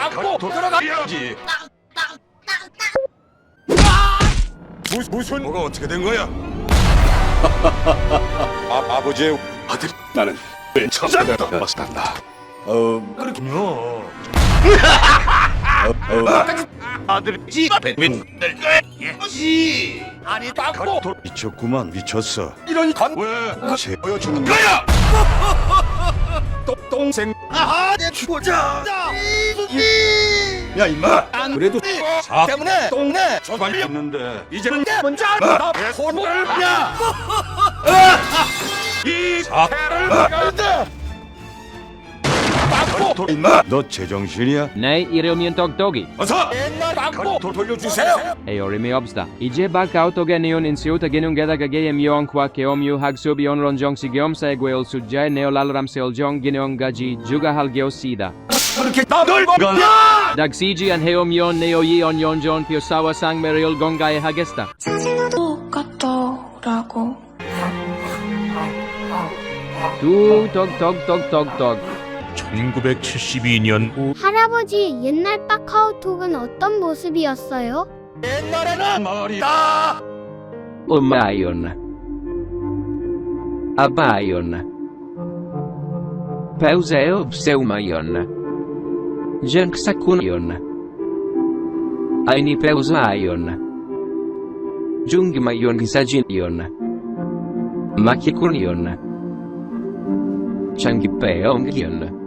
막고 들어가야지. 무슨 뭐가 어떻게 된 거야? 아버지의 아들. 나는 왜 천사가 왔단다. 그렇군요. 아들 집 앞에 윈들 거지. 아니 막고 미쳤구만 미쳤어. 이런 건왜 새 보여주는 거야? 동생 아하 내 주자. 야 임마 그래도 사 때문에 동네 저발이 없는데 이제는 내 먼저 나 손을 냐 이 사태를 막아야 막고 임마 너 제정신이야? Nej, iromin togtogi. 어서 옛날 막고 돌려주세요. Eorimi obsta. Ije bakautoganion insiuta genungeda gagayem yon kwa keomyu hagsubion ronjong sigiom saeguel sujay neolalam seoljong gineong gaji juga halgeosida. 그렇게 나를 가 Dagsiji an heomyon neoyi on yonjon piosawa sang meril gongae hagesta. 똑같더라고. Tu tog tog tog tog tog. 1972년 할아버지, 옛날 카카오톡은 어떤 모습이었어요? 옛날에는 말이다. Umayon. Abayon. Pauseo pseumayon. Jenksakunion. Aini pausayon. Jungmayon gisajinion. Makikunion. Changipeongyon.